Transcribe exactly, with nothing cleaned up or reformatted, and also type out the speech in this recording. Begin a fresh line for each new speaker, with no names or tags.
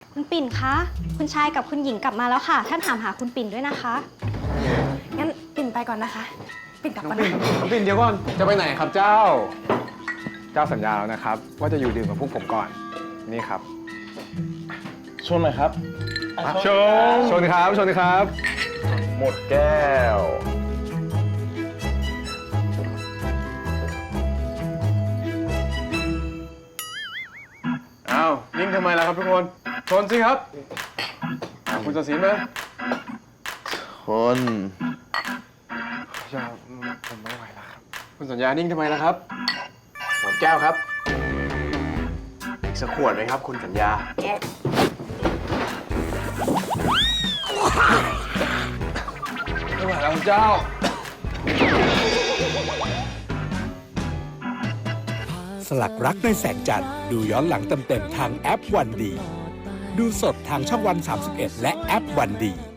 คุณปิ่นคะคุณชายกับคุณหญิงกลับมาแล้วค่ะท่านถามหาคุณปิ่นด้วยนะคะงั้นปิ่นไปก่อนนะคะปิ่นกลับก่อนนะ
น้องปิ่นเดี๋ยวก่อนจะไปไหนครับเจ้า เจ้าสัญญาแล้วนะครับ ว่าจะอยู่ดื่มกับพวกผมก่อนนี่ครับ
ชนหน่อยครับ
ชนชนครับชนครับ
หมดแก้ว
อ้าวนิ่งทำไมล่ะครับทุกคนชนสิครับอ่าคุณตัดสินไหม
คน
อย่าผมไม่ไหวแล้วครับคุณสัญญานิ่งทำไมล่ะครับหมดแก้วครับอีกสักขวดไหมครับคุณสัญญาไม่ไหวแล้วเจ้า
สลักรักในแสงจันทร์ดูย้อนหลังเต็มๆทางแอปวันดีดูสดทางช่องวันสามสิบเอ็ดและแอปวันดี